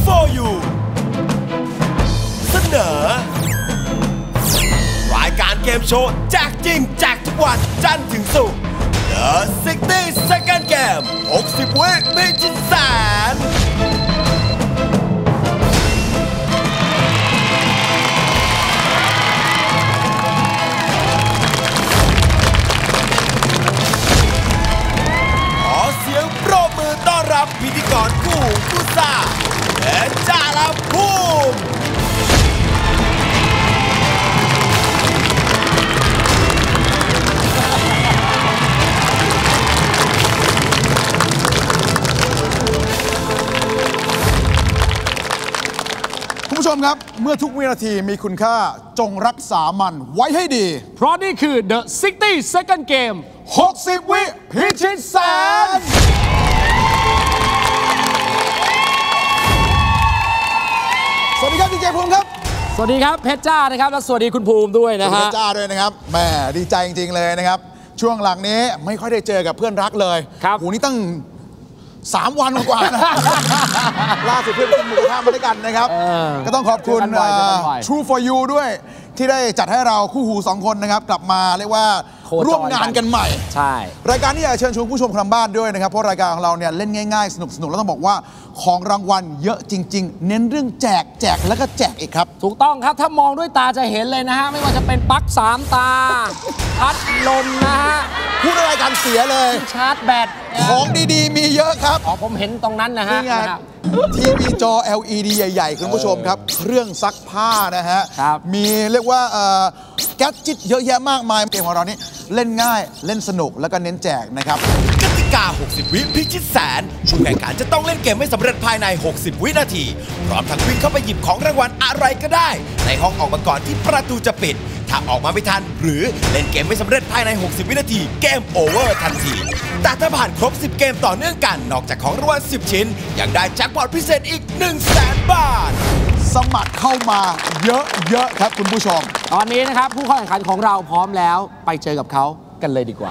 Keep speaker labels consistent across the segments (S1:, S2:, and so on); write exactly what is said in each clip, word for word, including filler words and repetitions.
S1: for you เสนอรายการเกมโชว์แจกจริงแจกทุกวันจันทร์ถึงศุกร์ The ซิกตี้ Second Game หกสิบ วิพิชิตแสนขอเสียงปรบมือต้อนรับพิธีกรคู่หูคู่ซ่าเพชรจ้าและภูมิ
S2: คุณผู้ชมครับเมื่อทุกวินาทีมีคุณค่าจงรักษามันไว้ให้ดี
S3: เพราะนี่คือ The ซิกตี้ Second Game
S2: หกสิบ วิพิชิตแสนสวัสดีครับดีเจภูมิครับ
S3: สวัสดีครับเพชรจ้านะครับและสวัสดีคุณภูมิด้วยนะฮะ
S2: เพชรจ้าด้วยนะครับแหมดีใจจริงๆเลยนะครับช่วงหลังนี้ไม่ค่อยได้เจอกับเพื่อนรักเลย
S3: ครับ
S2: โหนี่ตั้งสามวันกว่านะล่าสุดเพื่อนกินหมูกระทะมาด้วยกันนะครับก็ต้องขอบคุณ True for You ด้วยที่ได้จัดให้เราคู่หูสองคนนะครับกลับมาเรียกว่าร่วมงานกันใหม่
S3: ใช่
S2: รายการนี้อยากเชิญชวนผู้ชมทางบ้านด้วยนะครับเพราะรายการของเราเนี่ยเล่นง่ายๆสนุกๆแล้วต้องบอกว่าของรางวัลเยอะจริงๆเน้นเรื่องแจกแจกแล้วก็แจกอีกครับ
S3: ถูกต้องครับถ้ามองด้วยตาจะเห็นเลยนะฮะไม่ว่าจะเป็นปลั๊กสามตาพัดลมนะฮะ
S2: พูดอะไรกันเสียเลย
S3: ชาร์จแบต
S2: ของดีๆมีเยอะครับ
S3: อ๋อผมเห็นตรงนั้นนะฮะ
S2: ทีวีจอ แอล อี ดี ใหญ่ๆคุณผู้ชมครับเครื่องซักผ้านะฮะมีเรียกว่าแก๊สจิ๊ดเยอะแยะมากมายเกมของเรานี่เล่นง่ายเล่นสนุกแล้วก็เน้นแจกนะครับ
S1: กติกาหกสิบ วิพิชิตแสนผู้แข่งขันจะต้องเล่นเกมให้สำเร็จภายในหกสิบ วินาทีพร้อมทั้งวิ่งเข้าไปหยิบของรางวัลอะไรก็ได้ในห้องออกมาก่อนที่ประตูจะปิดถ้าออกมาไม่ทันหรือเล่นเกมไม่สำเร็จภายในหกสิบ วินาทีเกมโอเวอร์ทันทีแต่ถ้าผ่านครบสิบเกมต่อเนื่องกันนอกจากของรางวัลสิบชิ้นยังได้แจ็คพอตพิเศษอีก หนึ่งแสน บาท
S2: สมัครเข้ามาเยอะๆครับคุณผู้ชม
S3: ตอนนี้นะครับผู้เข้าแข่งขันของเราพร้อมแล้วไปเจอกับเขากันเลยดีกว่า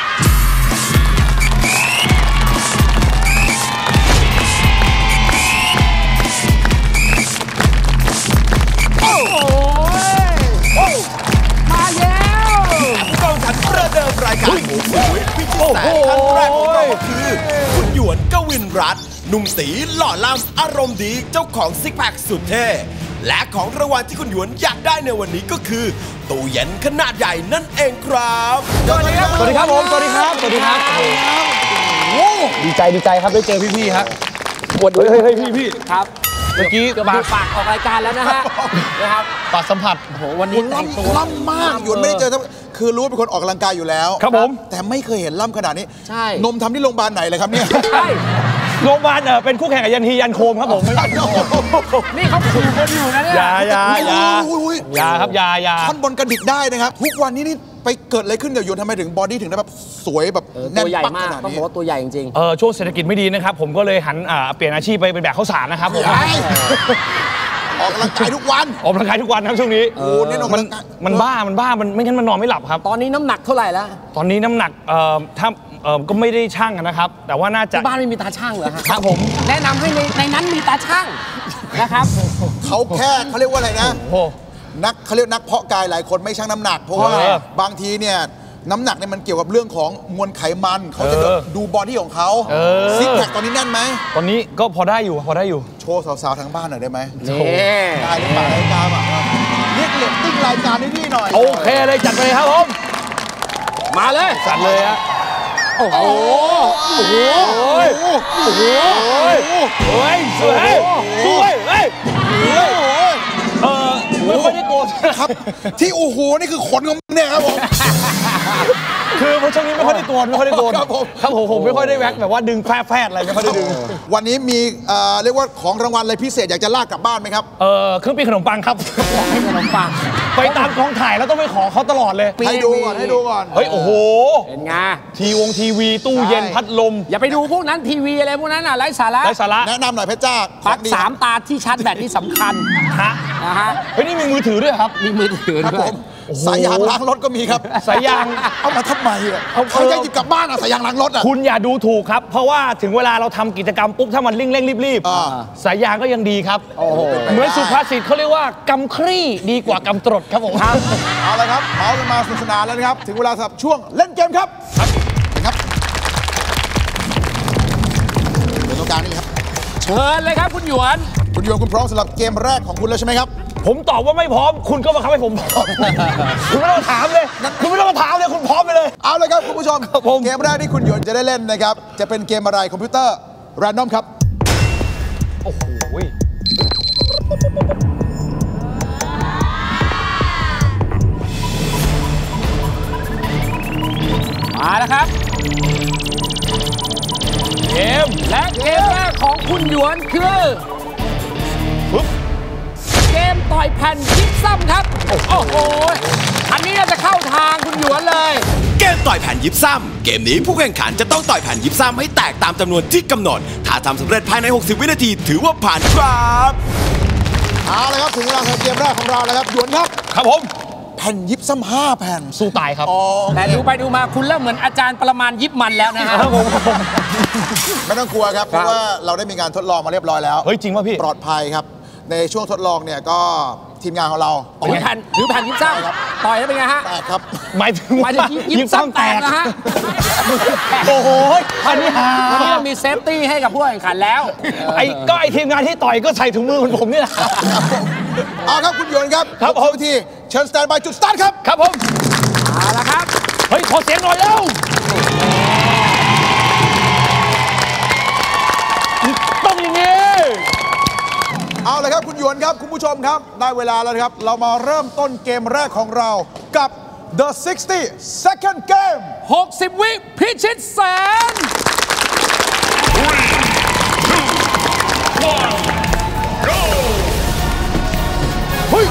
S1: มาแล้วผู้เข้าแข่งขันประเดิมรายการหมูฟูพิชิตแสนท่านแรกของเราคือคุณหยวนกวินรัตน์หนุ่มตีหล่อล่ำอารมณ์ดีเจ้าของซิกแพคสุดเท่และของรางวัลที่คุณหยวนอยากได้ในวันนี้ก็คือตู้เย็นขนาดใหญ่นั่นเองครับ
S3: สวัสดีครับสวัสดีครับผมสวัสดีครับสวัสดีครับดีใจดีใจครับได้เจอพี่ๆครับปวดเฮ้ยเฮ้ยพี่พี่ครับเมื่อกี้ปากปากออกรายการแล้วนะฮะนะครับ
S2: ปากสัมผัส
S3: โอ้โหวันนี้
S2: ล่ำล่ำมากหยวนไม่ได้เจอคือรู้ว่าเป็นคนออกกำลังกายอยู่แล้ว
S3: ครับผม
S2: แต่ไม่เคยเห็นล่ำขนาดนี้
S3: ใช่
S2: นมทำที่โรงพยาบาลไหนเลยครับเนี่ย
S3: ใช่
S4: โรงพยาบาลเออเป็นคู่แข่งกับยันฮียันโคมครับผม
S3: นี่เขาขู่คนอยู่นะเนี่ย
S4: ยายายายาครับยายา
S2: ท่อนบนกระดิกได้นะครับทุกวันนี้นี่ไปเกิดอะไรขึ้นกับหยวนทำไมถึงบอดี้ถึงได้แบบสวยแบบ
S3: แน่นปักขนาดนี้ต้องบอกว่าตัวใหญ่จริง
S4: ๆเออช่วงเศรษฐกิจไม่ดีนะครับผมก็เลยหันเปลี่ยนอาชีพไปเป็นแบกข้าวสารนะครับผม
S2: ออกกำลังกายทุกวัน
S4: ออกกำลังกายทุกวันครับช่วงนี้
S2: โอ้เนี่ยมัน
S4: มันบ้ามันบ้ามันไม่งั้นมันนอนไม่หลับครับ
S3: ตอนนี้น้ำหนักเท่าไหร่แล้ว
S4: ตอนนี้น้ำหนักเอ่อถ้าเอ่อก็ไม่ได้ชั่งนะครับแต่ว่าน่าจะ
S3: บ้านไม่มีตาช่างเหรอ
S4: ครับผม
S3: แนะนำให้ในในนั้นมีตาช่างนะครับ
S2: เขาแค่เขาเรียกว่าอะไรนะนักเขาเรียกนักเพาะกายหลายคนไม่ชั่งน้ำหนักเพราะว่าบางทีเนี่ยน้ำหนักเนี่ยมันเกี่ยวกับเรื่องของมวลไขมันเขาจะดูบอดี้ของเขาซิกแพคตอนนี้แน่นไหม
S4: ตอนนี้ก็พอได้อยู่พอได้อยู่
S2: โชว์สาวๆทางบ้านหน่อยได้ไหม
S3: นี่
S2: ได้หรือเปล่ารายการแบบเรียกเรตติ้งรายการให้พี่หน่อย
S4: โอเคเลยจัดเลยครับผม
S3: มาเลย
S4: จัดเลยฮะ
S3: โอ้โห
S4: โอ้โหโอ้โหโอ้ยสวยสวยเฮ้ยเออไม่ค่อยได้โกรธ
S2: ครับที่โอ้โหนี่คือขนของเนี่ยครับผม
S4: คือเพราะช่วงนี้ไม่ค่อยได้โกนไม่ค่อยได้โกนครับผมครับผมผมไม่ค่อยได้แว็กแบบว่าดึงแฟดอะไรไม่ค่อยได้ดึง
S2: วันนี้มีเรียกว่าของรางวัลอะไรพิเศษอยากจะลากกลับบ้านไหมครับ
S4: เออเครื่องปิ้งขนมปังครับ
S3: ขนมปัง
S4: ไปตามกองถ่ายแล้วต้องไปขอเขาตลอดเลย
S2: ให้ดูก่อนให้ดูก่อน
S4: เฮ้ยโอ้โห
S3: เป็นไง
S4: ทีวงทีวีตู้เย็นพัดลม
S3: อย่าไปดูพวกนั้นทีวีอะไรพวกนั้นอ่ะไร้สาระ
S4: ไร้สาระ
S2: แนะนำหน่อยเพชรจ้า
S3: ปลั๊กสามตาที่ชาร์จแบตนี่สำคัญ
S4: ฮะ
S3: นะฮะ
S4: เฮ้ยนี่มีมือถือด้วยครับ
S3: มีมือถือด้วย
S2: สายยางล้างรถก็มีครับ
S4: สายยาง
S2: เอามาทำไมอ่ะใครจะหยิบกลับบ้านอ่ะสายยางล้างรถอ่ะ
S4: คุณอย่าดูถูกครับ เพราะว่าถึงเวลาเราทำกิจกรรมปุ๊บถ้ามันเร่งเร่งรีบ
S2: อ่า
S4: ๆสายยางก็ยังดีครับ
S2: โอ้โหเป็นไปได้
S4: เหมือนสุภาษิตเขาเรียกว่ากำครี่ดีกว่ากำตรดครับผมครับ
S2: เอาละครับเมาส์กันมาสนุกสนานแล้วนะครับ ถึงเวลาสำหรับช่วงเล่นเกมครับครับเดี๋ยวตรงกลางนี่ครับ
S3: เชิญเลยครับคุณหยวน
S2: คุณโยนคุณพร้อมสำหรับเกมแรกของคุณแล้วใช่ไหมครับ
S4: ผมตอบว่าไม่พร้อม คุณก็มาคับให้ผมพร้อม คุณไม่ต้องถามเลย คุณไม่ต้องมาถามเลยคุณพร้อมไปเลย
S2: เอาเลยครับคุณผู้ชม
S4: ครับผม
S2: เกมแรกที่คุณหยวนจะได้เล่นนะครับจะเป็นเกมอะไรคอมพิวเตอร์แรนดอมครับ
S4: โอ้โห
S3: มาแล้วครับ
S4: เกม
S3: และเกมแรกของคุณหยวนคือเกมต่อยแผ่นยิปซัมครับ โอ้โห อันนี้น่าจะเข้าทางคุณหยวนเลย
S1: เกมต่อยแผ่นยิปซัมเกมนี้ผู้แข่งขันจะต้องต่อยแผ่นยิปซัมให้แตกตามจำนวนที่กำหนด ถ้าทำสำเร็จภายใน หกสิบ วินาทีถือว่าผ่านครับ
S2: เอาเลยครับถึงเวลาของเกมแรกของเราแล้วครับหยวนครับ
S4: ครับผม
S2: แผ่นยิบซ้ำห้าแผ่น
S4: สู้ตายครับ
S2: อ๋อ
S3: แต่ดูไปดูมาคุณเริ่มเหมือนอาจารย์ประมาณยิบมันแล้วนะฮะ
S4: ครับผม
S2: ไม่ต้องกลัวครับเพราะว่าเราได้มีการทดลองมาเรียบร้อยแล้ว
S4: เฮ้ยจริงป่ะพี่
S2: ปลอดภัยครับในช่วงทดลองเนี่ยก็ทีมงานของเรา
S3: ถือแผ่นถือแผ่นยิปซัมต่อยแล้วเป็นไงฮะ
S2: แตกครับ
S4: หมายถึง
S3: หมายถึงยิปซัมแตกนะฮะ
S4: โอ้โหอันนี้หา
S3: วันนี้เรามีเซฟตี้ให้กับผู้แข่งขันแล้ว
S4: ไอ้ก็ไอ้ทีมงานที่ต่อยก็ใส่ถุงมือเหมือนผมนี่แหละ
S2: เอาครับคุณหยวนครับ
S4: ครับผม
S2: หกสิวิธีเชิญสแตนบายจุดสตาร์ทครับ
S4: ครับผม
S3: เอาละครับ
S4: เฮ้ย ขอเสียงหน่อยเร็วต้องอย่างนี้
S2: เอาเลยครับคุณหยวนครับคุณผู้ชมครับได้เวลาแล้วนะครับเรามาเริ่มต้นเกมแรกของเรากับ The ซิกสตี้ Second Game
S3: หกสิบ วิพิชิตแสน
S2: เฮ้ย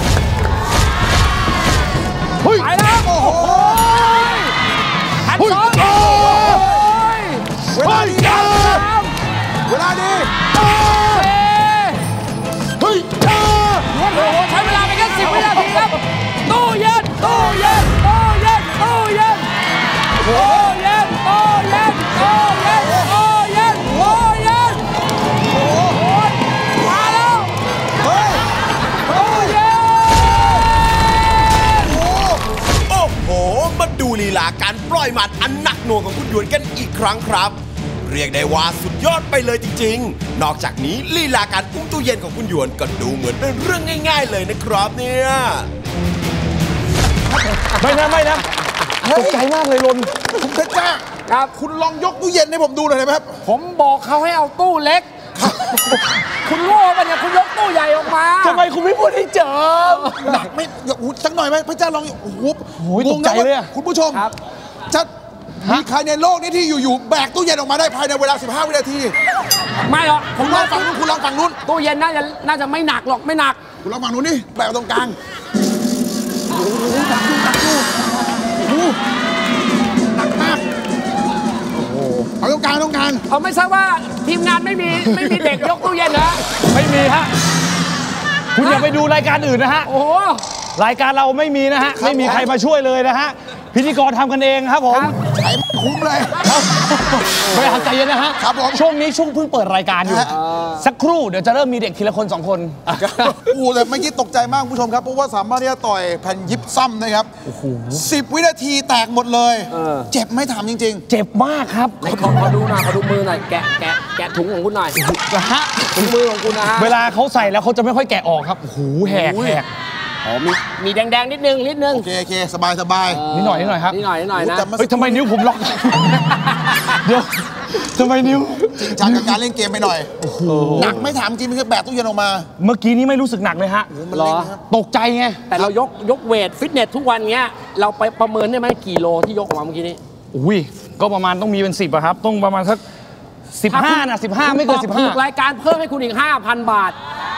S2: เฮ้ย
S3: ไปแล้วโอ้โหแผ่นสองโอ้ย
S2: เวลาดีนะ
S3: สาม
S2: เวลาดี
S3: สี่
S2: เฮ้ย
S3: โอ้โหใช้เวลาไปแค่สิบวินาทีครับตู้เย็นตู้เย็นตู้เย็นตู้เย็นตู้เย็นตู้เย็นตู้เย็นตู้เย็นตู้เย็นโอ้โหมาแล้ว
S2: เฮ้ย
S3: ตู้เย็น
S1: โอ้โห มาดูลีลาการปล่อยหมัดอันหนักหน่วงของคุณหยวนกันอีกครั้งครับ เรียกได้ว่าสุดยอดไปเลยจริงๆ นอกจากนี้ลีลาการอุ้มตู้เย็นของคุณหยวนก็ดูเหมือนเป็นเรื่องง่าย ๆ เลยนะครับเนี่ย
S4: ไม่นะไม่นะตกใจมากเลยลน
S2: คุณเพชรจ้า
S3: ครับ
S2: คุณลองยกตู้เย็นให้ผมดูหน่อยได้ไหมครับ
S3: ผมบอกเขาให้เอาตู้เล็ก คุณโง่ปะเนี่ยคุณยกตู้ใหญ่ออกมา
S4: ทำไมคุณไม่พูดให้เจอ
S2: หนักไม่อย่าอู้สักหน่อยไหมพระเจ้าลองโอ้โห
S4: โอ้ย
S2: งงนะ
S4: ตกใจเลยอะ
S2: ว่าคุณผู้ชม
S3: ครับ
S2: จะมีใครในโลกนี้ที่อยู่ๆแบกตู้เย็นออกมาได้ภายในเวลา สิบห้า วินาที
S3: ไม่หรอกผ
S2: คุ
S3: ม
S2: ณลอ
S3: ว่าง
S2: ฝั่งนู้นคุณลองฝั่งนู้น
S3: ตู้เย็นน่าจะน่าจะไม่หนักหรอกไม่หนัก
S2: คุณลองฝั่งนู้นนี่แบกตรงกลางโอ้โหหนักอยู่หนักอยู่โอ้โหหนักมากโอ้โหเอาตรงกลางตรงกลาง
S3: เอาไม่ทราบว่าทีมงานไม่มีไม่มีเด็กยกตู้เย็นเหรอ
S4: ไม่มีฮะ คุณอย่าไปดูรายการอื่นนะฮะ
S3: โอ้โห
S4: รายการเราไม่มีนะฮะ ไม่มีใครมาช่วยเลยนะฮะ พิธีกรทำกันเองครับผม
S2: ใช้ไม่คุ้มเลย
S4: ไม่ทำใจเย็นนะฮะ
S2: ครับผม
S4: ช่วงนี้ช่วงเพิ่งเปิดรายการอยู่
S2: ฮะ
S4: สักครู่เดี๋ยวจะเริ่มมีเด็กทีละคนสองคน
S2: โอ้โหแต่เมื่อกี้ตกใจมากคุณผู้ชมครับ เพราะว่าสามารถที่จะต่อยแผ่นยิปซัมนะครับสิบวินาทีแตกหมดเลย เจ็บไหม่ถามจริง
S4: เจ็บมากครับ
S3: ไหนขอขอดูหน่อยขอดูมือหน่อยแกะแกะแกะถุงของคุณหน่อย
S4: นะฮะ
S3: ถุงมือของคุณนะฮะ
S4: เวลาเขาใส่แล้วเขาจะไม่ค่อยแกะออกครับ โอ้โห แหกแหก
S3: อ๋อมีมีแดงๆนิดนึงนิดนึง
S2: ๆ โอเคโอเคสบายสบาย
S4: นิดหน่อยนิดหน่อยครับ
S3: นิดหน่อยนิดหน่อยนะ
S2: แต่มัน
S4: เฮ้ยทำไมนิ้วผมล็อก เดี๋ยวทำไมนิ้ว
S2: จริงจังกับการเล่นเกมไปหน่อยหนักไม่ถามจริงมันคือแบกตู้เย็นออกมา
S4: เมื่อกี้นี้ไม่รู้สึกหนักเลยฮะ
S2: มันเล่นนะครับ
S4: ตกใจไง
S3: แต่เรายกยกเวทฟิตเนสทุกวันเงี้ยเราไปประเมินได้ไหมกี่โลที่ยกออกมาเมื่อกี้นี้
S4: อุ้ย ก็ประมาณต้องมีเป็นสิบอะครับ ต้องประมาณสักสิบห้านะสิบห้าไม่เกินสิบห้า
S3: ถูกรายการเพิ่มให้คุณอีก ห้าพัน บาท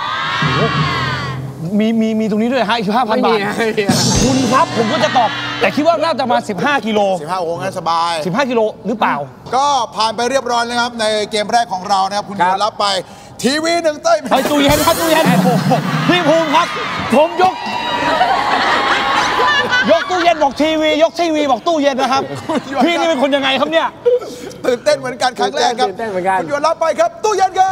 S4: มีมีมีตรงนี้ด้วยฮะอีกห้าพัน
S3: ไม่
S4: บา
S3: มี
S4: ท
S3: ไม่มี
S4: คุณครับผมก็จะตอบ แต่คิดว่าน่าจะมาสิบห้ากิโล
S2: สิบห้าโอ้งั้นสบาย
S4: สิบห้ากิโลหรือเปล่า
S2: ก็ผ่านไปเรียบร้อยนะครับ ในเกมแรกของเรานะครับ คุณ
S3: ครั
S2: โย
S3: บ
S2: นรับไป ทีวีหนึ่งเต้ย
S4: เฮ้ยตู้เย็นครับตู้เย็นโอ้โหพี่ภูมิครับ ผมยกยกตู้เย็นบอกทีวียกทีวีบอกตู้เย็นนะครับพี่นี่เป็นคนยังไงครับเนี่ย
S2: ตื่นเต้นเหมือนกันครั้งแรกครับ
S3: ตื่นเต้นเหมือนกัน
S2: คุณหยวนรับไปครับตู้เย็นครับ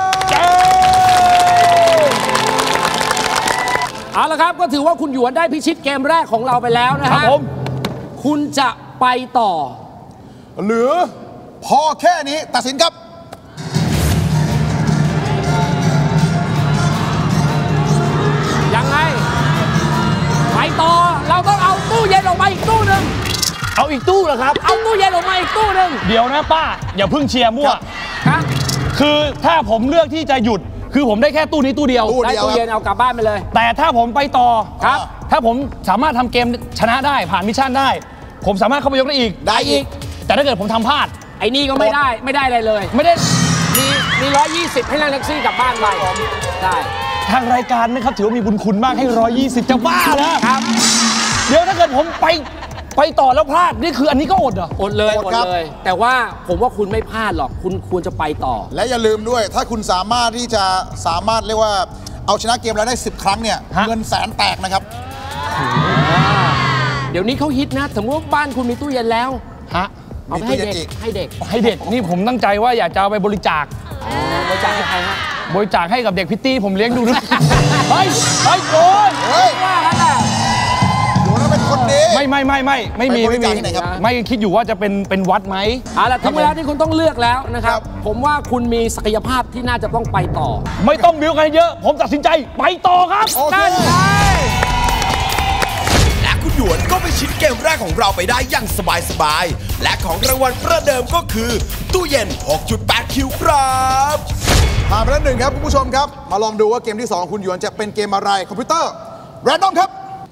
S3: เอาละครับก็ถือว่าคุณหยวนได้พิชิตเกมแรกของเราไปแล้วนะฮะ
S4: ครับผม
S3: คุณจะไปต่อ
S2: หรือพอแค่นี้ตัดสินครับ
S3: ยังไงไปต่อเราต้องเอาตู้เย็นออกมาอีกตู้หนึ่ง
S4: เอาอีกตู้เหรอครับ
S3: เอาตู้เย็นออกมาอีกตู้หนึ่ง
S4: เดี๋ยวนะป้าอย่าเพิ่งเชียร์มั่ว
S3: ครับ
S4: คือถ้าผมเลือกที่จะหยุดคือผมได้แค่ตู้นี้ตู้เดียว
S3: ได้ตู้เย็นเอากลับบ้านไปเลย
S4: แต่ถ้าผมไปต่อ
S3: ครับ
S4: ถ้าผมสามารถทำเกมชนะได้ผ่านมิชชั่นได้ผมสามารถเข้าไปยกได้อีก
S3: ได้อีก
S4: แต่ถ้าเกิดผมทำพลาด
S3: ไอ้นี่ก็ไม่ได้ไม่ได้อะไรเลย
S4: ไม่ได้
S3: มีมีร้อยยี่สิบให้นั่งแท็กซี่กลับบ้านไปได้
S4: ทางรายการนะครับถือว่ามีบุญคุณมากให้ร้อยยี่สิบจะบ้าแล้วครับเดี๋ยวถ้าเกิดผมไปไปต่อแล้วพลาดนี่คืออันนี้ก็อดเหรอ
S3: อดเลยอดเลยแต่ว่าผมว่าคุณไม่พลาดหรอกคุณควรจะไปต่อ
S2: และอย่าลืมด้วยถ้าคุณสามารถที่จะสามารถเรียกว่าเอาชนะเกมแล้วได้สิบครั้งเนี่ยเงินแสนแตกนะครับ
S3: เดี๋ยวนี้เขาฮิตนะสมมติว่าบ้านคุณมีตู้เย็นแล้ว
S4: ฮะ
S3: เอาไปให้เด็กให้เด็ก
S4: ให้เด็กนี่ผมตั้งใจว่าอยากจะเอาไปบริจาค
S3: บริจาคให้ใครฮะ
S4: บริจาคให้กับเด็กพิตตี้ผมเลี้ยงดูด้วยเฮ้ยเฮ้ยโกน
S2: เฮ้ยว่าแล้วน่ะโกนเป็นคนดี
S4: ไม่ไม่ไม่ไม่ไม่มีไม่มีไม่คิดอยู่ว่าจะเป็นเป็นวัดไหม
S3: เอาล่ะถึงเวลาที่คุณต้องเลือกแล้วนะครับผมว่าคุณมีศักยภาพที่น่าจะต้องไปต่อ
S4: ไม่ต้องบิ้วกันเยอะผมตัดสินใจไปต่อครับ
S3: นั่นไง
S1: หยวนก็ไปชิดเกมแรกของเราไปได้อย่างสบายๆและของรางวัลประเดิมก็คือตู้เย็น หกจุดแปด คิวครับ
S2: ผ่านไปแล้วหนึ่งครับคุณผู้ชมครับมาลองดูว่าเกมที่สองคุณหยวนจะเป็นเกมอะไรคอมพิวเตอร์แรนดอมครับ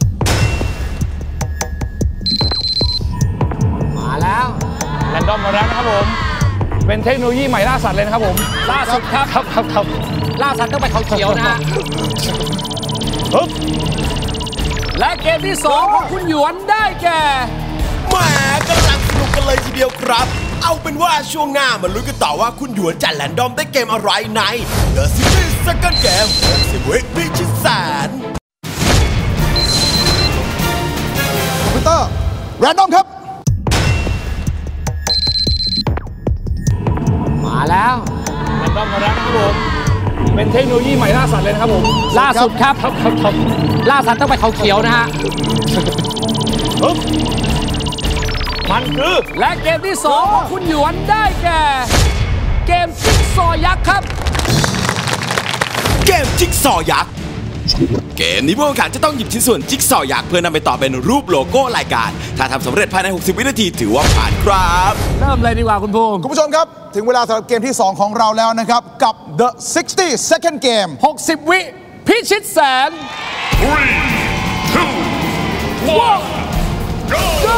S3: มาแล้ว
S4: แรนดอมมาแล้วนะครับผมเป็นเทคโนโลยีใหม่ล่าสัตว์เลยนะครับผม
S3: ล่าสุดครับ
S4: ครับครับครับ
S3: ล่าสัตว์ต้องไปเขาเขียวนะฮะ
S4: ปึ๊บ
S3: และเกมที่สองของคุณหยวนได้แก่
S1: แหมกำลังสนุกกันเลยทีเดียวครับเอาเป็นว่าช่วงหน้ามาลุ้นกันต่อว่าคุณหยวนจะแรนดอมได้เกมอะไรใน The City Second Game หกสิบ วิพิชิตแสน
S2: คอมพิวเตอร์แรนดอมครับ
S3: มาแล้ว
S4: แรนดอมมาแล้วนะครับผมเป็นเทคโนโลยีใหม่ล่าสัตว์เลยนะครับผม
S3: ล่าสุดครับ
S4: ครับครับครับ
S3: ล่าสัตว์ต้องไปเขาเขียวนะฮะ
S4: ปึ๊บมันคือ
S3: และเกมที่สองของคุณหยวนได้แก่เกมจิ๊กซอว์ยักษ์ครับ
S1: เกมจิ๊กซอว์ยักษ์เกมนี้ผู้แข่งขันจะต้องหยิบชิ้นส่วนจิ๊กซอว์ยักษ์เพื่อนำไปต่อเป็นรูปโลโก้รายการถ้าทำสำเร็จภายในหกสิบวินาทีถือว่าผ่านครับ
S3: เริ่มเลยดีกว่าคุณภูมิ
S2: คุณผู้ชมครับถึงเวลาสำหรับเกมที่สองของเราแล้วนะครับกับ The หกสิบ Second Game
S3: หกสิบ วิพิชิตแสน
S5: three two one
S3: go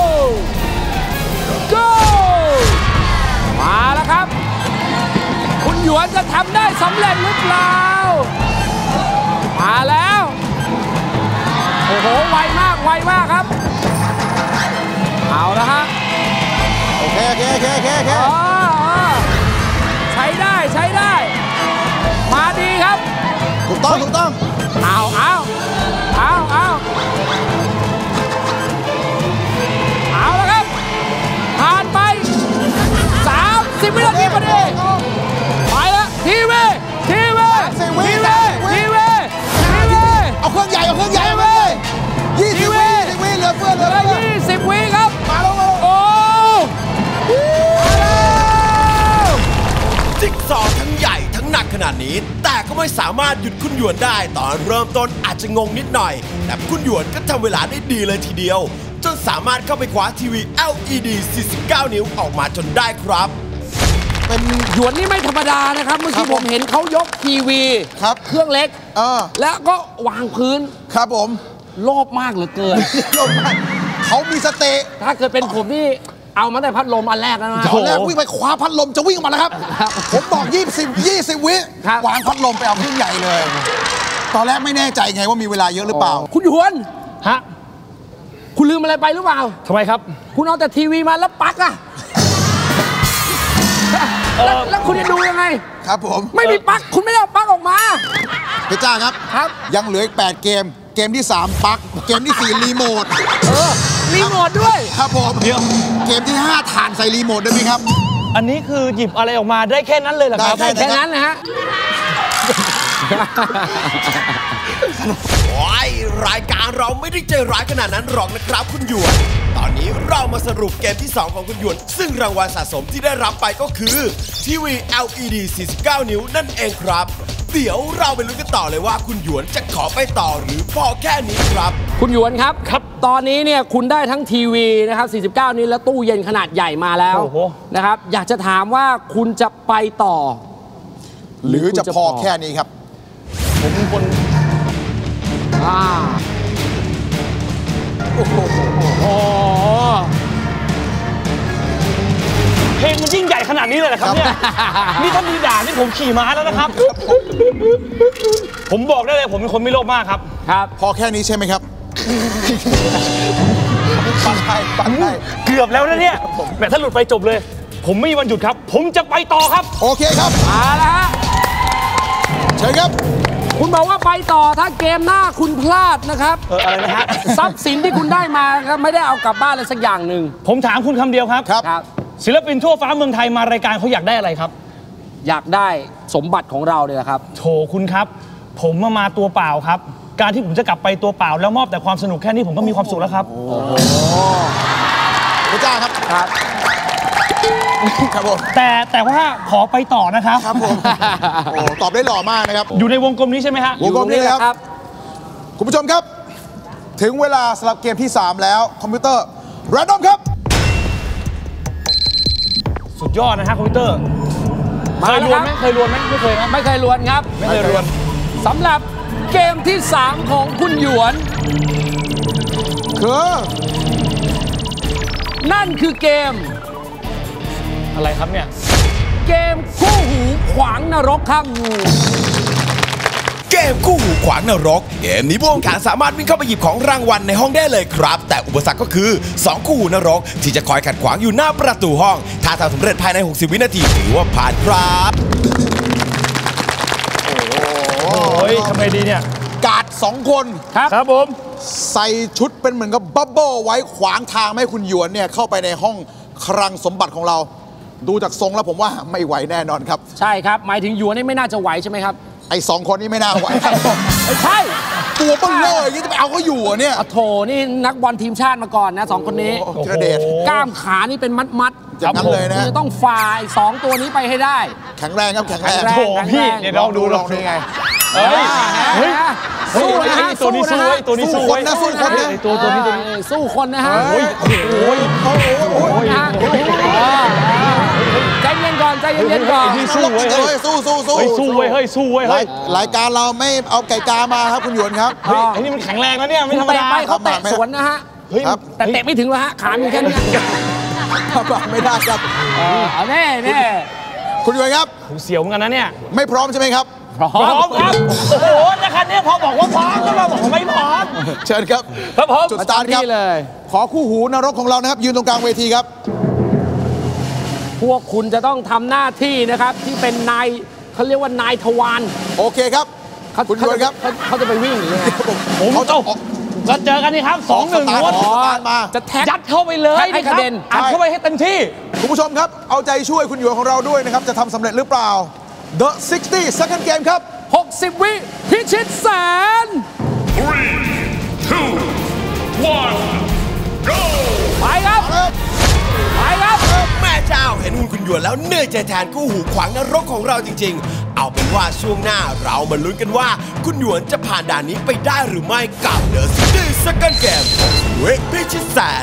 S3: go มาแล้วครับคุณหยวนจะทำได้สำเร็จหรือเปล่ามาแล้วโอ้โหไวมากไวมากครับเอาละฮะ
S2: โอเคโอเคโอเคโอเคโอเค
S3: ใช้ได้ใช้ได้มาดีครับ
S2: ถูกต้องถูกต้อง
S3: เอาเอาเอาเอาเอาแล้วครับผ่านไปสามสิบวินาทีพอดีไปแล้วทีวีทีวีทีวีทีวีทีวี
S2: เอาเครื่องใหญ่เอาเครื่องใหญ่เลยยี่สิบวิยี่สิบวิเหลือเฟือเหลือ
S3: ยี่สิบวิครับ
S2: มาแล้วมาแล้ว
S3: โอ้
S1: จิ๊กซอว์ทั้งใหญ่ทั้งหนักขนาดนี้แต่ก็ไม่สามารถหยุดคุณหยวนได้ตอนเริ่มต้นอาจจะงงนิดหน่อยแต่คุณหยวนก็ทำเวลาได้ดีเลยทีเดียวจนสามารถเข้าไปคว้าทีวี แอล อี ดี สี่สิบเก้า นิ้วออกมาจนได้ครับ
S3: เป็นหยวนนี่ไม่ธรรมดานะครับเมื่อกี้ผมเห็นเขายกทีวี
S2: ครับ
S3: เครื่องเล็กแล้วก็วางพื้น
S2: ครับผม
S3: โลภมากเหลือเกิน
S2: โลภมากเขามีสเตย์
S3: ถ้าเกิดเป็นผมนี่เอามาแต่พัดลมอันแรกนะ
S2: ตอนแรกวิ่งไปคว้าพัดลมจะวิ่งออกมาแล้วครับผมบอกยี่สิบ ยี่สิบวิวางพัดลมไปเอาเครื่องใหญ่เลยตอนแรกไม่แน่ใจไงว่ามีเวลาเยอะหรือเปล่า
S3: คุณหยวนฮะคุณลืมอะไรไปหรือเปล่า
S4: ทำไมครับ
S3: คุณเอาแต่ทีวีมาแล้วปลั๊กอะแล้วคุณจะดูยังไง
S2: ครับผม
S3: ไม่มีปลั๊กคุณไม่ได้เอาปลั๊กออกมา
S2: พี่จ้าครับ
S3: ครับ
S2: ยังเหลืออีกแปดเกมเกมที่สามปลั๊กเกมที่สี่รีโมท
S3: เออรีโมทด้วย
S2: ครับผมเดี๋ยวเกมที่ห้าถ่านใส่รีโมทได้ไหมครับ
S4: อันนี้คือหยิบอะไรออกมาได้แค่นั้นเลยเหรอครับ
S3: ได้แค่นั้นนะฮะ
S1: โอ้ยรายการเราไม่ได้ใจร้ายขนาดนั้นหรอกนะครับคุณหยวนตอนนี้เรามาสรุปเกมที่สองของคุณหยวนซึ่งรางวัลสะสมที่ได้รับไปก็คือทีวี แอล อี ดี สี่สิบเก้า นิ้วนั่นเองครับเดี๋ยวเราไปลุ้นกันต่อเลยว่าคุณหยวนจะขอไปต่อหรือพอแค่นี้ครับ
S3: คุณหยวนครับครับตอนนี้เนี่ยคุณได้ทั้งทีวีนะครับสี่สิบเก้านิ้วและตู้เย็นขนาดใหญ่มาแล้วนะครับอยากจะถามว่าคุณจะไปต่อ
S2: หรือจะพอแค่นี้ครับ
S4: ผมเป็นคน
S3: อ่าโอ้โห
S4: เพลงมันยิ่งใหญ่ขนาดนี้เลยเหรอครับเนี่ยนี่ถ้ามีด่านี่ผมขี่ม้าแล้วนะครับผมบอกได้เลยผมเป็นคนไม่โลภมากครับ
S3: ครับ
S2: พอแค่นี้ใช่ไหมครับปันได้ปันได้
S4: เกือบแล้วนะเนี่ยแหมถ้าหลุดไปจบเลยผมไม่มีวันหยุดครับผมจะไปต่อครับ
S2: โอเคครับ
S3: มาแล้วฮะ
S2: เชิญครับ
S3: คุณบอกว่าไปต่อถ้าเกมหน้าคุณพลาดนะครับ
S4: เอออะไรนะฮะ
S3: ทรัพย์สินที่คุณได้มาครับไม่ได้เอากลับบ้านเลยสักอย่างหนึ่ง
S4: ผมถามคุณคำเดียวครับ
S2: ครับ
S4: ศิลปินทั่วฟ้าเมืองไทยมารายการเขาอยากได้อะไรครับ
S3: อยากได้สมบัติของเราเลยครับ
S4: โถคุณครับผมมามาตัวเปล่าครับการที่ผมจะกลับไปตัวเปล่าแล้วมอบแต่ความสนุกแค่นี้ผมก็มีความสุขแล้วครับโอ้โห
S2: พระเจ้าครับ
S3: ครับ
S2: ครับผม
S4: แต่แต่ว่าขอไปต่อนะครับ
S2: ครับผมโอ้ตอบได้หล่อมากนะครับ
S4: อยู่ในวงกลมนี้ใช่ไหมฮะ
S2: วงกลมนี้ครับคุณผู้ชมครับถึงเวลาสำหรับเกมที่สามแล้วคอมพิวเตอร์แรนดอมครับ
S4: สุดยอดนะฮะคอมพิวเตอร์เคยรวนไหมเคยรวนไหมไม่เคยนะ
S3: ไม่เคยรวนครับ
S4: ไม่เคยรวน
S3: สำหรับเกมที่สามของคุณหยวน
S2: คือ
S3: นั่นคือเกม
S4: อะไรครับเนี่ย
S3: เกมคู่หูขวางนรกข้างงู
S1: เกมคู่หูขวางนรกเกมนี้ผู้แข่งขันสามารถวิ่งเข้าไปหยิบของรางวัลในห้องได้เลยครับแต่อุปสรรคก็คือสองคู่หูนรกที่จะคอยขัดขวางอยู่หน้าประตูห้องถ้าทำสำเร็จภายในหกสิบวินาทีถือว่าผ่านครับ
S4: โอ้ยทำไงดีเนี่ย
S2: กาดสองคน
S3: ครับ
S4: ครับผม
S2: ใส่ชุดเป็นเหมือนกับบับเบิ้ลไว้ขวางทางไม่ให้คุณหยวนเนี่ยเข้าไปในห้องคลังสมบัติของเราดูจากทรงแล้วผมว่าไม่ไหวแน่นอนครับ
S3: ใช่ครับหมายถึงหยวนนี่ไม่น่าจะไหวใช่ไหมครับ
S2: ไอ้สองคนนี้ไม่น่าไหว
S3: ไม่ใช่
S2: ตัวเบิ้ลเลยอย่างนี้จะไปเอาเขาอยู่เนี่ย
S3: โถนี่นักบอลทีมชาติมาก่อนนะสองคนนี้
S2: กระเด็ด
S3: กล้ามขานี่เป็นมัดมัด
S2: อย่างนั้นเลยนะ
S3: จะต้องฝ่ายสองตัวนี้ไปให้ได้
S2: แข็งแรงครับแข็งแรง
S4: โถพี่เดี๋ยวลองดู
S2: ลองนี่ไง
S4: เฮ้ยเฮ้ยสู้นะฮะตัวนี้สู้ตัวนี้สู้
S2: นะสู้คนนะ
S4: ตัวตัวนี้ตัวนี้
S3: สู้คนนะฮะ
S4: โอ้ยโอ้ย
S2: โอ้ยโอ้ย
S3: ใจเย็นก่อนใจเย็นก่อน
S2: สู้เว้ยสู้สู้สู้
S4: สู้เว้ยเฮ้ยสู้เว้ยเฮ้ย
S2: รายการเราไม่เอาไก่กามาครับคุณหยวนครับ
S4: เฮ้ยไอ้นี่มันแข็งแรงนะเนี่ยไม่ธรรมดา
S3: ไปเขาเตะสวนนะฮะแต่เตะไม่ถึงแล้วฮะขามีแค่นี้
S2: ไม่ได้ครับ
S3: เอาแน่แน่
S2: คุณหยวนครับ
S4: ผมเสียวเหมือนกันนะเนี่ย
S2: ไม่พร้อมใช่ไหมครับ
S3: พร้อ
S4: มครับโอ้โหนะครับเนี่ยพอบอกว่าพร้อมก็มาบอกว่าไม่พร้อม
S2: เชิญครับ
S4: ครับผม
S2: จุดสตาร์ทครับขอคู่หูนรกของเรานะครับยืนตรงกลางเวทีครับ
S3: พวกคุณจะต้องทำหน้าที่นะครับที่เป็นนายเขาเรียกว่านายทวาร
S2: โอเคครับคุณหยวนครับ
S3: เขาจะไปวิ่งหรือไง
S4: ผมเขาจะก็เจอกันนี่ครับสองหนึ่ง
S2: วนมา
S3: จะแท็ก
S4: ยัดเข้าไปเลย
S3: ให้กระเด็น
S4: อัดเข้าไปให้เต็มที่
S2: คุณผู้ชมครับเอาใจช่วยคุณหยวนของเราด้วยนะครับจะทำสำเร็จหรือเปล่า The หกสิบ second game ครับ
S3: หกสิบวิพิชิตแสน
S5: three two one go
S3: ไปครับไปครับ
S1: แม่เจ้าเห็นหุ่นคุณหยวนแล้วเหนื่อยใจแทนคู่หูขวางนรกของเราจริงๆเอาเป็นว่าช่วงหน้าเรามาลุ้นกันว่าคุณหยวนจะผ่านด่านนี้ไปได้หรือไม่กับ The หกสิบ second game เวกพิชิตแสน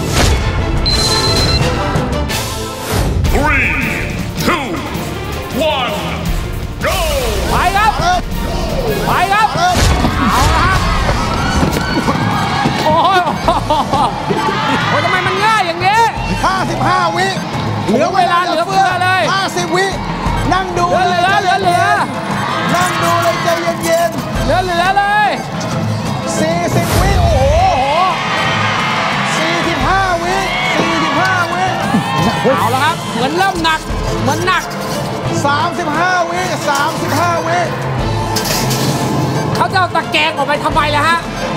S5: three two one go
S3: ไปครับไปครับเอาละครับโอ้ยโอ้ยทำไมมันง่ายอย่างนี้
S2: ห้าสิบห้าวิ
S3: เหลือเวลาเหลือเฟือเลย
S2: ห้าสิบวินั่งดู
S3: เหลือเหลือเหลือเหลือ
S2: นั่งดูเลยใจเย็น
S3: ๆเหลือเหลือเลย
S2: สี่สิบวิโอ้โหสี่สิบห้าวิสี่สิบห้าวิ
S3: เอาละครับเหมือนเริ่มหนักเหมือนหนัก
S2: สามสิบห้าวิสามสิบห้าวิ
S3: เขาจะเอาตะแกรงออกไปทำไมล่ะฮะ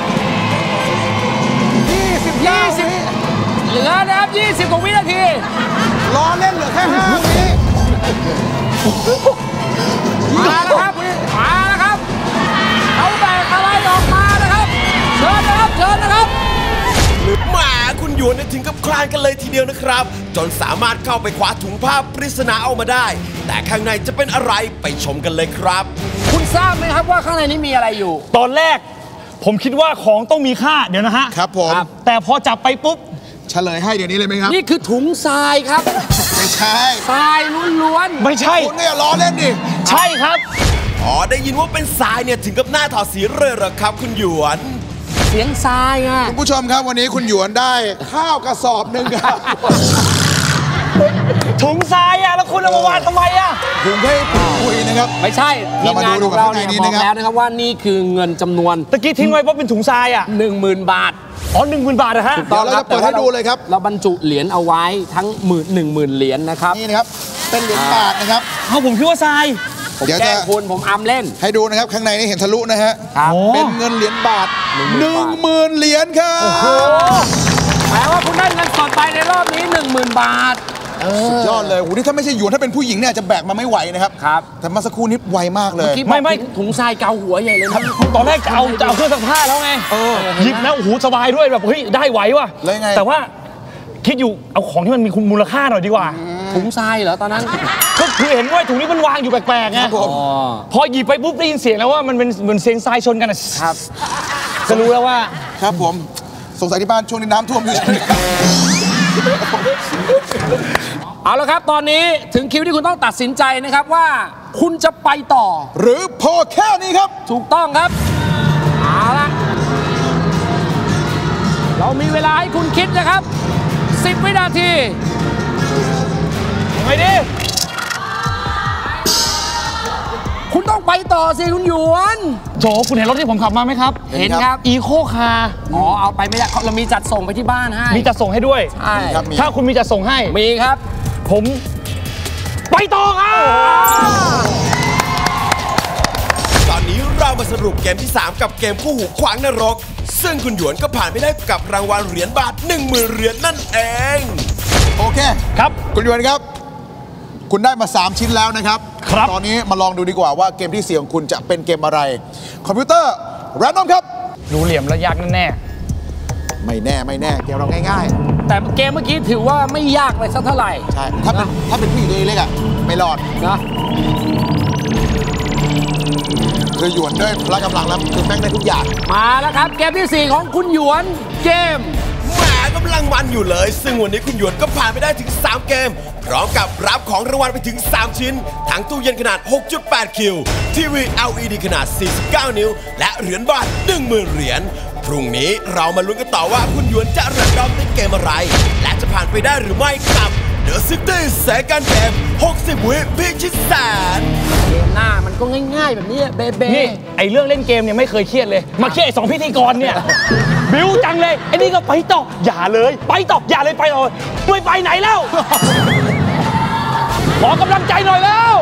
S2: ยี่สิบ
S3: ยี่สิบ เหลือนะครับยี่สิบกว่าวินาที
S2: รอเล่นเหลือแค่ห้าวิ
S3: มาแล้วครับมาแล้วครับเขาแบกอะไรออกมานะครับเชิญนะครับเชิญนะครับ
S1: หมาคุณหยวนถึงกับคลานกันเลยทีเดียวนะครับ จนสามารถเข้าไปคว้าถุงผ้าปริศนาออกมาได้ แต่ข้างในจะเป็นอะไรไปชมกันเลยครับ
S3: คุณทราบไหมครับว่าข้างในนี้มีอะไรอยู่
S4: ตอนแรกผมคิดว่าของต้องมีค่าเดี๋ยวนะฮะ
S2: ครับผม
S4: แต่พอจับไปปุ๊บ
S2: เฉลยให้เดี๋ยวนี้เลยไหมครับ
S3: นี่คือถุงทรายครับ
S2: ไม่ใช่
S3: ทรายล้วน
S4: ไม่ใช่
S2: คุณเนี่ยล้อเล่นดิ
S4: ใช่ครับ
S1: อ๋อได้ยินว่าเป็นทรายเนี่ยถึงกับหน้าถอดสีเลยเหรอครับคุณหยวน
S3: ๆเสียงทรายอ่ะ
S2: คุณผู้ชมครับวันนี้คุณหยวนได้ข้าวกระสอบหนึ่งครับ
S4: ถุงทรายอะแล้วคุณเอามาวางทำไมอะ
S2: ผมให้คุยนะครับ
S3: ไม่ใช่ที
S2: เรา
S3: ม
S2: มาง
S3: าน
S2: ดู
S3: ของเรา
S2: ข้างใน
S3: เนี่ย
S2: นี้
S3: บอก
S2: นะครับ
S3: แล้วนะครับว่านี่คือเงินจำนวน
S4: ตะกี้ทิ้งไว้เพราะเป็นถุงทรายอะ
S3: หนึ่งหมื่นบาท
S4: อ๋อหนึ่งหมื่นบาทนะฮะ
S2: เดี๋ยวเราจะเปิดให้ดูเลยครับ
S3: เราบรรจุเหรียญเอาไว้ทั้งหมื่นหนึ่งหมื่นเหรียญนะครับ
S2: นี่นะครับเป็นเหรียญบาทนะครับ
S4: เอาผมคิดว่าทราย
S3: ผม
S2: เดี๋ยว
S3: แกล้
S2: จะ
S3: งคุณผมอำเล่น
S2: ให้ดูนะครับข้างในนี่เห็นทะลุนะฮะ
S3: ครับ
S4: โอ้
S2: เป็นเงินเหรียญบาทหนึ่งหมื่นเหรียญครับ
S3: แปลว่าคุณได้เงินสดไปในรอบนี้หนึ่งหมื่นบาท
S2: ยอดเลยโอ้โหนี่ถ้าไม่ใช่หยวนถ้าเป็นผู้หญิงเนี่ยอาจจะแบกมาไม่ไหวนะครับ
S3: ครับ
S2: แต่เมาสักครู่นี้ไวมากเลย
S3: คิด
S4: ไม่ไม่
S3: ถุงทรายเกาหัวใหญ่เลยนะ
S4: ตอนแรกจะเอาจะเอาเครื่องซักผ้าแล้วไงหยิบแล้วโอ้โหสบายด้วยแบบเฮ้ยได้ไหวว่ะ
S2: แล้วยังไง
S4: แต่ว่าคิดอยู่เอาของที่มันมีมูลค่าหน่อยดีกว่า
S3: ถุงทรายเหรอตอนนั้น
S4: ก็คือเห็นว่าถุงนี้มันวางอยู่แปลกๆไง
S2: ครับผม
S4: พอหยิบไปปุ๊บได้ยินเสียงแล้วว่ามันเป็นเหมือนเสียงทรายชนกันอะ
S3: ครับ
S4: ก็รู้แล้วว่า
S2: ครับผมสงสัยที่บ้านช่วงนี้น้ำท่วมอยู่ใช่ไหมครับ
S3: เอาละครับตอนนี้ถึงคิวที่คุณต้องตัดสินใจนะครับว่าคุณจะไปต่อ
S2: หรือพอแค่นี้ครับ
S3: ถูกต้องครับ เอาละเรามีเวลาให้คุณคิดนะครับสิบวินาที
S4: ไงดิ
S3: คุณต้องไปต่อสิคุณหยวน
S4: โจคุณเห็นรถที่ผมขับมาไหมครับ
S3: เห็นครับ
S4: อีโคคาร์
S3: อ๋อเอาไปไม่ได้เรามีจัดส่งไปที่บ้านให้
S4: มีจัดส่งให้ด้วย
S3: ใช่
S2: ครับมี
S4: ถ้าคุณมีจัดส่งให้
S3: มีครับ
S4: ผมไปต่อครับ
S1: ตอนนี้เรามาสรุปเกมที่ สาม กับเกมคู่หูขวางนรก ซึ่งคุณหยวนก็ผ่านไปได้กับรางวัลเหรียญบาท หนึ่งหมื่น เหรียญนั่นเอง
S2: โอเค
S4: ครับ
S2: คุณหยวนครับ คุณได้มา สาม ชิ้นแล้วนะครับ
S4: ครับ
S2: ตอนนี้มาลองดูดีกว่าว่าเกมที่สี่ของคุณจะเป็นเกมอะไร คอมพิวเตอร์แรนดอมครับ
S4: รู้เหลี่ยมแล้วยากแน่
S2: ไม่แน่ไม่แน่เกมเราง่าย
S3: แต่เกมเมื่อกี้ถือว่าไม่ยากเลยสักเท่าไหร่
S2: ๆ ใช่ ถ้าเป็นถ้าเป็นผู้หญิงตัวเล็กๆอ่ะไม่รอด
S3: นะ
S2: คือหยวนด้วยพละกำลังแล้วคือแม่งได้ทุกอย่าง
S3: มาแล้วครับเกมที่สี่ของคุณหยวนเกม
S1: แหมกำลังมันอยู่เลย ซึ่งวันนี้คุณหยวนก็ผ่านไปได้ถึง สาม เกม พร้อมกับรับของรางวัลไปถึง สาม ชิ้น ทั้งตู้เย็นขนาด หกจุดแปด คิว ทีวี แอล อี ดี ขนาด สี่สิบเก้า นิ้ว และเหรียญบาท หนึ่งหมื่น เหรียญ พรุ่งนี้เรามาลุ้นกันต่อว่าคุณหยวนจะแรนดอมในเกมอะไร และจะผ่านไปได้หรือไม่กับ The City Second Game หกสิบ วิพิชิตแสน
S3: เกมหน้ามันก็ง่ายๆแบบนี้เบเบ้
S4: ๆนี่ไอเรื่องเล่นเกมเนี่ยไม่เคยเครียดเลย มาเครียดไอสองพิธีกรเนี่ย บิวจังเลยไอ้นี่ก็ไปต่ออย่าเลย ไปต่ออย่าเลยไปต่อไม่ไปไหนแล้ว ขอกำลังใจหน่อยแล้ว